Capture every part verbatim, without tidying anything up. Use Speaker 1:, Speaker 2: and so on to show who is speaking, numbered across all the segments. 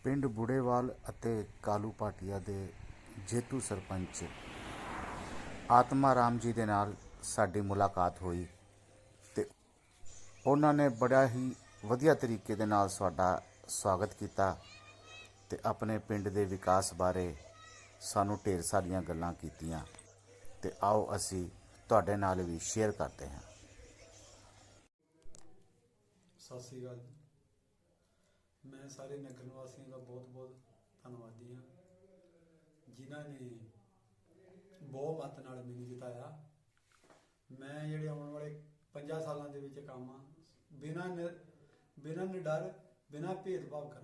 Speaker 1: ਪਿੰਡ ਬੁੜੇਵਾਲ ਅਤੇ ਕਾਲੂ ਭਾਟੀਆ ਦੇ ਜੇਤੂ ਸਰਪੰਚ ਆਤਮਾ ਰਾਮ ਜੀ ਦੇ ਨਾਲ ਸਾਡੀ ਮੁਲਾਕਾਤ ਹੋਈ ਤੇ ਉਹਨਾਂ ਨੇ ਬੜਾ ਹੀ ਵਧੀਆ ਤਰੀਕੇ ਦੇ ਨਾਲ ਸਾਡਾ ਸਵਾਗਤ ਕੀਤਾ ਤੇ ਆਪਣੇ ਪਿੰਡ ਦੇ ਵਿਕਾਸ ਬਾਰੇ ਸਾਨੂੰ ਢੇਰ ਸਾਰੀਆਂ ਗੱਲਾਂ ਕੀਤੀਆਂ ਤੇ ਆਓ ਅਸੀਂ ਤੁਹਾਡੇ ਨਾਲ ਵੀ ਸ਼ੇਅਰ ਕਰਦੇ ਹਾਂ।
Speaker 2: ਸਤਿ ਸ਼੍ਰੀ ਅਕਾਲ ਜੀ। ਮੈਂ ਸਾਰੇ ਨਗਰ ਨਿਵਾਸੀਆਂ ਦਾ ਬਹੁਤ ਬਹੁਤ ਧੰਨਵਾਦੀ ਹਾਂ ਜਿਨ੍ਹਾਂ ਨੇ ਬਹੁਤ ਮੱਤ ਨਾਲ ਮੈਨੂੰ ਜਿਤਾਇਆ। ਮੈਂ ਜਿਹੜੇ ਆਉਣ ਵਾਲੇ ਪੰਜਾਂ ਸਾਲਾਂ ਦੇ ਵਿੱਚ ਕੰਮ ਆ ਬਿਨਾਂ ਬਿਨਾਂ ਨਿਡਰ ਬਿਨਾਂ ਭੇਦਭਾਵ ਕਰਾਂਗਾ।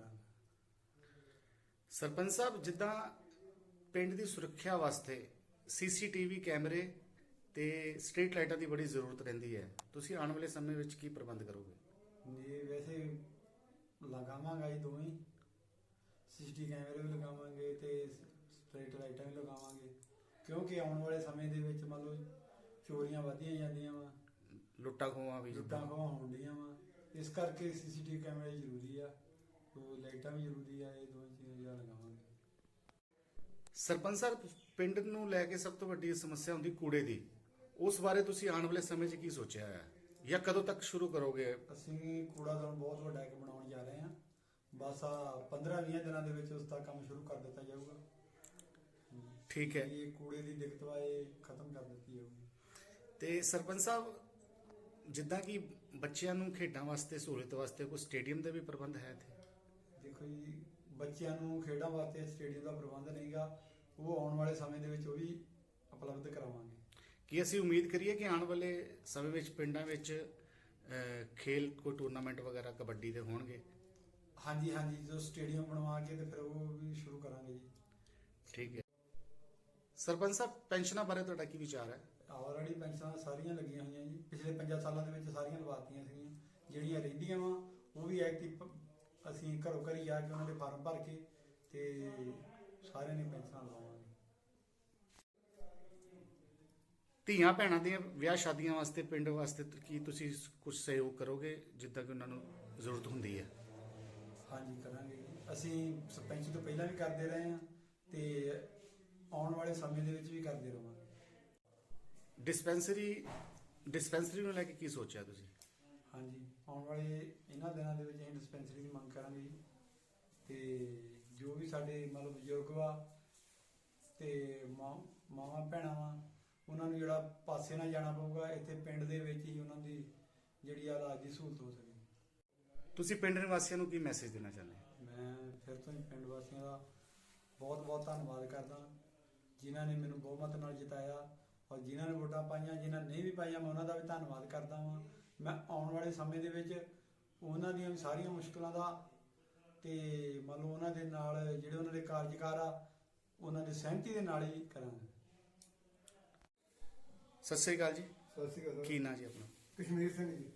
Speaker 3: ਸਰਪੰਚ ਸਾਹਿਬ, ਜਿੱਦਾਂ ਪਿੰਡ ਦੀ ਸੁਰੱਖਿਆ ਵਾਸਤੇ ਸੀਸੀਟੀਵੀ ਕੈਮਰੇ ਤੇ ਸਟਰੀਟ ਲਾਈਟਾਂ ਦੀ ਬੜੀ ਜ਼ਰੂਰਤ ਰਹਿੰਦੀ ਹੈ, ਤੁਸੀਂ ਆਉਣ ਵਾਲੇ ਸਮੇਂ ਵਿੱਚ ਕੀ ਪ੍ਰਬੰਧ ਕਰੋਗੇ?
Speaker 2: ਜੀ ਵੈਸੇ ਲਗਾਵਾਂਗਾ ਜੀ ਦੋਵੇਂ ਸੀਸੀਟੀ ਕੈਮਰੇ ਵੀ ਲਗਾਵਾਂਗੇ ਤੇ ਸਟਰੀਟ ਲਾਈਟਾਂ ਵੀ ਲਗਾਵਾਂਗੇ ਕਿਉਂਕਿ ਆਉਣ ਵਾਲੇ ਸਮੇਂ ਦੇ ਵਿੱਚ ਮੰਨ ਲਓ ਚੋਰੀਆਂ ਵਧੀਆਂ ਜਾਂਦੀਆਂ ਵਾ,
Speaker 3: ਲੁੱਟਾਂ ਖੋਹਾਂ ਵੀ
Speaker 2: ਲੁੱਟਾਂ ਖੋਹਾਂ ਹੁੰਦੀਆਂ ਵਾ, ਇਸ ਕਰਕੇ ਸੀਸੀਟੀਵੀ ਕੈਮਰੇ ਜ਼ਰੂਰੀ ਆ, ਲਾਈਟਾਂ ਵੀ ਜ਼ਰੂਰੀ ਆ। ਇਹ ਦੋ ਚੀਜ਼ਾਂ ਲਗਾਵਾਂਗੇ।
Speaker 3: ਸਰਪੰਚ ਸਾਹਿਬ, ਪਿੰਡ ਨੂੰ ਲੈ ਕੇ ਸਭ ਤੋਂ ਵੱਡੀ ਸਮੱਸਿਆ ਹੁੰਦੀ ਕੂੜੇ ਦੀ, ਉਸ ਬਾਰੇ ਤੁਸੀਂ ਆਉਣ ਵਾਲੇ ਸਮੇਂ 'ਚ ਕੀ ਸੋਚਿਆ ਹੈ ਜਾਂ ਕਦੋਂ ਤੱਕ ਸ਼ੁਰੂ ਕਰੋਗੇ?
Speaker 2: ਅਸੀਂ ਕੂੜਾਦਾਨ ਬਹੁਤ ਵੱਡਾ ਇੱਕ ਬਣਾਉਣ ਜਾ ਰਹੇ ਹਾਂ। ਬਸ ਆ ਪੰਦਰਾਂ ਵੀਹ ਦਿਨਾਂ ਦੇ ਵਿੱਚ ਉਸ ਦਾ ਕੰਮ ਸ਼ੁਰੂ ਕਰ ਦਿੱਤਾ ਜਾਊਗਾ।
Speaker 3: ਠੀਕ ਹੈ।
Speaker 2: ਇਹ ਕੂੜੇ ਦੀ ਦਿੱਕਤ ਵਾ ਇਹ ਖਤਮ ਕਰ ਦਿੱਤੀ ਜਾਊਗੀ।
Speaker 3: ਤੇ ਸਰਪੰਚ ਸਾਹਿਬ, ਜਿੱਦਾਂ ਕਿ ਬੱਚਿਆਂ ਨੂੰ ਖੇਡਾਂ ਵਾਸਤੇ ਸਹੂਲਤ ਵਾਸਤੇ ਕੋਈ ਸਟੇਡੀਅਮ ਦਾ ਵੀ ਪ੍ਰਬੰਧ ਹੈ ਇੱਥੇ?
Speaker 2: ਦੇਖੋ ਜੀ, ਬੱਚਿਆਂ ਨੂੰ ਖੇਡਾਂ ਵਾਸਤੇ ਸਟੇਡੀਅਮ ਦਾ ਪ੍ਰਬੰਧ ਨਹੀਂਗਾ, ਉਹ ਆਉਣ ਵਾਲੇ ਸਮੇਂ ਦੇ ਵਿੱਚ ਉਹ ਵੀ ਉਪਲਬਧ ਕਰਾਵਾਂਗੇ।
Speaker 3: ਕੀ ਅਸੀਂ ਉਮੀਦ ਕਰੀਏ ਕਿ ਆਉਣ ਵਾਲੇ ਸਮੇਂ ਵਿੱਚ ਪਿੰਡਾਂ ਵਿੱਚ ਖੇਲ ਕੋਈ ਟੂਰਨਾਮੈਂਟ ਵਗੈਰਾ ਕਬੱਡੀ ਦੇ ਹੋਣਗੇ?
Speaker 2: ਹਾਂਜੀ ਹਾਂਜੀ, ਜੋ ਸਟੇਡੀਅਮ ਬਣਵਾ ਕੇ ਤੇ ਫਿਰ ਉਹ ਵੀ ਸ਼ੁਰੂ ਕਰਾਂਗੇ ਜੀ।
Speaker 3: ਠੀਕ ਹੈ। ਸਰਪੰਚ ਸਾਹਿਬ, ਪੈਨਸ਼ਨਾਂ ਬਾਰੇ ਤੁਹਾਡਾ ਕੀ ਵਿਚਾਰ ਹੈ?
Speaker 2: ਆਲਰੇਡੀ ਪੈਨਸ਼ਨਾਂ ਸਾਰੀਆਂ ਲੱਗੀਆਂ ਹੋਈਆਂ ਜੀ, ਪਿਛਲੇ ਪੰਜਾਂ ਸਾਲਾਂ ਦੇ ਵਿੱਚ ਸਾਰੀਆਂ ਲਵਾਤੀਆਂ ਸੀਗੀਆਂ। ਜਿਹੜੀਆਂ ਰਹਿੰਦੀਆਂ ਵਾ ਉਹ ਵੀ ਐਕਟਿਵ ਅਸੀਂ ਘਰੋਂ ਘਰੀ ਜਾ ਕੇ ਉਹਨਾਂ ਦੇ ਫਾਰਮ ਭਰ ਕੇ ਤੇ ਸਾਰਿਆਂ ਨੇ ਪੈਨਸ਼ਨਾਂ ਲਵਾਵਾਂਗੇ।
Speaker 3: ਧੀਆਂ ਭੈਣਾਂ ਦੀਆਂ ਵਿਆਹ ਸ਼ਾਦੀਆਂ ਵਾਸਤੇ ਪਿੰਡ ਵਾਸਤੇ ਕੀ ਤੁਸੀਂ ਕੁਝ ਸਹਿਯੋਗ ਕਰੋਗੇ ਜਿੱਦਾਂ ਕਿ ਉਹਨਾਂ ਨੂੰ ਜ਼ਰੂਰਤ ਹੁੰਦੀ ਹੈ?
Speaker 2: ਹਾਂਜੀ ਕਰਾਂਗੇ ਜੀ। ਅਸੀਂ ਸਰਪੰਚ ਤੋਂ ਪਹਿਲਾਂ ਵੀ ਕਰਦੇ ਰਹੇ ਹਾਂ ਤੇ ਆਉਣ ਵਾਲੇ ਸਮੇਂ ਦੇ ਵਿੱਚ ਵੀ ਕਰਦੇ ਰਹਾਂਗੇ।
Speaker 3: ਡਿਸਪੈਂਸਰੀ ਡਿਸਪੈਂਸਰੀ ਨੂੰ ਲੈ ਕੇ ਕੀ ਸੋਚਿਆ ਤੁਸੀਂ?
Speaker 2: ਹਾਂਜੀ, ਆਉਣ ਵਾਲੇ ਇਹਨਾਂ ਦਿਨਾਂ ਦੇ ਵਿੱਚ ਅਸੀਂ ਡਿਸਪੈਂਸਰੀ ਦੀ ਮੰਗ ਕਰਾਂਗੇ ਜੀ ਤੇ ਜੋ ਵੀ ਸਾਡੇ ਮਤਲਬ ਬਜ਼ੁਰਗ ਵਾ ਤੇ ਮਾਂ ਮਾਵਾਂ ਭੈਣਾਂ ਵਾ ਉਹਨਾਂ ਨੂੰ ਜਿਹੜਾ ਪਾਸੇ ਨਾ ਜਾਣਾ ਪਊਗਾ, ਇੱਥੇ ਪਿੰਡ ਦੇ ਵਿੱਚ ਹੀ ਉਹਨਾਂ ਦੀ ਜਿਹੜੀ ਆ ਇਲਾਜ ਦੀ ਸਹੂਲਤ ਹੋ ਸਕੇ।
Speaker 3: ਤੁਸੀਂ ਪਿੰਡ ਨਿਵਾਸੀਆਂ ਨੂੰ ਕੀ ਮੈਸੇਜ ਦੇਣਾ ਚਾਹੁੰਦੇ ਹੋ?
Speaker 2: ਮੈਂ ਫਿਰ ਤੋਂ ਹੀ ਪਿੰਡ ਵਾਸੀਆਂ ਦਾ ਬਹੁਤ ਬਹੁਤ ਧੰਨਵਾਦ ਕਰਦਾ ਜਿਨ੍ਹਾਂ ਨੇ ਮੈਨੂੰ ਬਹੁਮਤ ਨਾਲ ਜਿਤਾਇਆ, ਔਰ ਜਿਨ੍ਹਾਂ ਨੇ ਵੋਟਾਂ ਪਾਈਆਂ, ਜਿਨ੍ਹਾਂ ਨੇ ਨਹੀਂ ਵੀ ਪਾਈਆਂ ਮੈਂ ਉਹਨਾਂ ਦਾ ਵੀ ਧੰਨਵਾਦ ਕਰਦਾ ਵਾਂ। ਮੈਂ ਆਉਣ ਵਾਲੇ ਸਮੇਂ ਦੇ ਵਿੱਚ ਉਹਨਾਂ ਦੀਆਂ ਵੀ ਸਾਰੀਆਂ ਮੁਸ਼ਕਲਾਂ ਦਾ ਤੇ ਮੰਨ ਲਓ ਉਹਨਾਂ ਦੇ ਨਾਲ ਜਿਹੜੇ ਉਹਨਾਂ ਦੇ ਕਾਰਜਕਾਰ ਆ ਉਹਨਾਂ ਦੀ ਸਹਿਮਤੀ ਦੇ ਨਾਲ ਹੀ ਕਰਾਂਗੇ।
Speaker 3: ਸਤਿ ਸ੍ਰੀ ਅਕਾਲ ਜੀ।
Speaker 4: ਸਤਿ ਸ਼੍ਰੀ ਅਕਾਲ।
Speaker 3: ਕੀ ਨਾਂ ਜੀ ਆਪਣਾ?
Speaker 4: ਕਸ਼ਮੀਰ ਸਿੰਘ ਜੀ।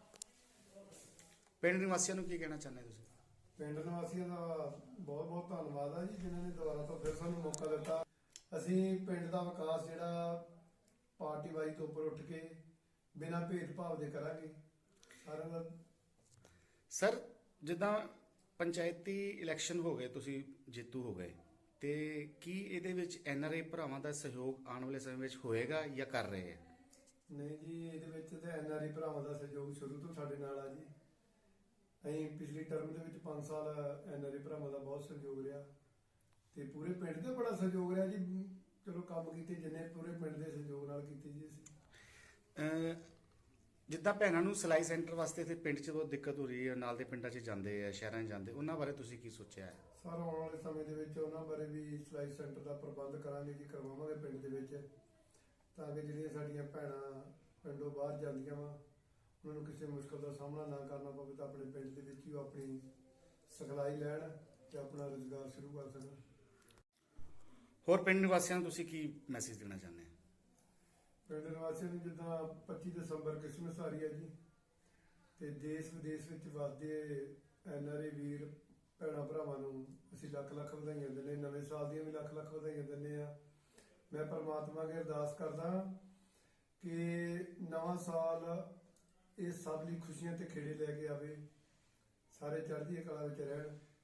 Speaker 3: ਪਿੰਡ ਨਿਵਾਸੀਆਂ ਨੂੰ ਕੀ ਕਹਿਣਾ ਚਾਹੁੰਦੇ ਤੁਸੀਂ?
Speaker 4: ਪਿੰਡ ਨਿਵਾਸੀਆਂ ਦਾ ਬਹੁਤ ਬਹੁਤ ਧੰਨਵਾਦ ਆ ਜੀ ਜਿਨ੍ਹਾਂ ਨੇ ਦੁਬਾਰਾ ਤੋਂ ਫਿਰ ਸਾਨੂੰ ਮੌਕਾ ਦਿੱਤਾ। ਅਸੀਂ ਪਿੰਡ ਦਾ ਵਿਕਾਸ ਜਿਹੜਾ ਪਾਰਟੀ ਵਾਈ ਤੋਂ ਉੱਪਰ ਉੱਠ ਕੇ ਬਿਨਾਂ ਭੇਦਭਾਵ ਦੇ ਕਰਾਂਗੇ ਸਾਰਿਆਂ ਦਾ।
Speaker 3: ਸਰ, ਜਿੱਦਾਂ ਪੰਚਾਇਤੀ ਇਲੈਕਸ਼ਨ ਹੋ ਗਏ, ਤੁਸੀਂ ਜੇਤੂ ਹੋ ਗਏ, ਤੇ ਕੀ ਇਹਦੇ ਵਿੱਚ ਐਨ ਆਰ ਆਈ ਭਰਾਵਾਂ ਦਾ ਸਹਿਯੋਗ ਆਉਣ ਵਾਲੇ ਸਮੇਂ ਵਿੱਚ ਹੋਏਗਾ ਜਾਂ ਕਰ ਰਹੇ ਹੈ?
Speaker 4: ਨਹੀਂ ਜੀ, ਇਹਦੇ ਵਿੱਚ ਤਾਂ ਐਨ ਆਰ ਆਈ ਭਰਾਵਾਂ ਦਾ ਸਹਿਯੋਗ ਸ਼ੁਰੂ ਤੋਂ ਸਾਡੇ ਨਾਲ ਆ ਜੀ। ਅਸੀਂ ਪਿਛਲੀ ਟਰਮ ਦੇ ਵਿੱਚ ਪੰਜ ਸਾਲ ਐਨ ਆਰ ਆਈ ਭਰਾਵਾਂ ਦਾ ਬਹੁਤ ਸਹਿਯੋਗ ਰਿਹਾ ਤੇ ਪੂਰੇ ਪਿੰਡ ਦਾ ਬੜਾ ਸਹਿਯੋਗ ਰਿਹਾ ਜੀ। ਚਲੋ ਕੰਮ ਕੀਤੇ ਜਿੰਨੇ ਪੂਰੇ ਪਿੰਡ ਦੇ ਸਹਿਯੋਗ ਨਾਲ ਕੀਤੇ ਜੀ ਅਸੀਂ।
Speaker 3: ਜਿੱਦਾਂ ਭੈਣਾਂ ਨੂੰ ਸਿਲਾਈ ਸੈਂਟਰ ਵਾਸਤੇ ਤੇ ਪਿੰਡ 'ਚ ਬਹੁਤ ਦਿੱਕਤ ਹੋ ਰਹੀ ਹੈ, ਨਾਲ ਦੇ ਪਿੰਡਾਂ 'ਚ ਜਾਂਦੇ ਆ, ਸ਼ਹਿਰਾਂ 'ਚ ਜਾਂਦੇ, ਉਹਨਾਂ ਬਾਰੇ ਤੁਸੀਂ ਕੀ ਸੋਚਿਆ ਹੈ?
Speaker 4: ਸਰ, ਆਉਣ ਵਾਲੇ ਸਮੇਂ ਦੇ ਵਿੱਚ ਉਹਨਾਂ ਬਾਰੇ ਵੀ ਸਿਲਾਈ ਸੈਂਟਰ ਦਾ ਪ੍ਰਬੰਧ ਕਰਾਂਗੇ ਜੀ, ਕਰਵਾਵਾਂਗੇ ਪਿੰਡ ਦੇ ਵਿੱਚ, ਤਾਂ ਕਿ ਜਿਹੜੀਆਂ ਸਾਡੀਆਂ ਭੈਣਾਂ ਪਿੰਡੋਂ ਬਾਹਰ ਜਾਂਦੀਆਂ ਵਾ ਉਹਨਾਂ ਨੂੰ ਕਿਸੇ ਮੁਸ਼ਕਲ ਦਾ ਸਾਹਮਣਾ ਨਾ ਕਰਨਾ ਪਵੇ ਤਾਂ ਆਪਣੇ ਪਿੰਡ ਦੇ ਵਿੱਚ ਹੀ ਉਹ ਆਪਣੀ ਸਿਖਲਾਈ ਲੈਣ ਤੇ ਆਪਣਾ ਰੁਜ਼ਗਾਰ ਸ਼ੁਰੂ ਕਰ ਸਕਣ।
Speaker 3: ਹੋਰ ਪਿੰਡ ਨਿਵਾਸੀਆਂ ਨੂੰ ਤੁਸੀਂ ਕੀ ਮੈਸੇਜ ਦੇਣਾ ਚਾਹੁੰਦੇ ਹੋ?
Speaker 4: ਪਿੰਡ ਨਿਵਾਸੀਆਂ ਨੂੰ ਜਿੱਦਾਂ ਪੱਚੀ ਦਸੰਬਰ ਕ੍ਰਿਸਮਸ ਆ ਰਹੀ ਹੈ ਜੀ ਤੇ ਦੇਸ਼ ਵਿਦੇਸ਼ ਵਿੱਚ ਵੱਸਦੇ ਐਨ ਆਰ ਆਈ ਵੀਰ ਭੈਣਾਂ ਭਰਾਵਾਂ ਨੂੰ ਅਸੀਂ ਲੱਖ ਲੱਖ ਵਧਾਈਆਂ ਦਿੰਦੇ, ਨਵੇਂ ਸਾਲ ਦੀਆਂ ਵੀ ਲੱਖ ਲੱਖ ਵਧਾਈਆਂ ਦਿੰਦੇ ਆ। ਮੈਂ ਪਰਮਾਤਮਾ ਅੱਗੇ ਅਰਦਾਸ ਕਰਦਾ ਕਿ ਨਵਾਂ ਸਾਲ ਇਹ ਸਭ ਲਈ ਖੁਸ਼ੀਆਂ ਤੇ ਖੇੜੇ ਲੈ ਕੇ ਆਵੇ, ਸਾਰੇ ਚੜ੍ਹਦੀ ਕਲਾ ਵਿੱਚ ਰਹਿਣ।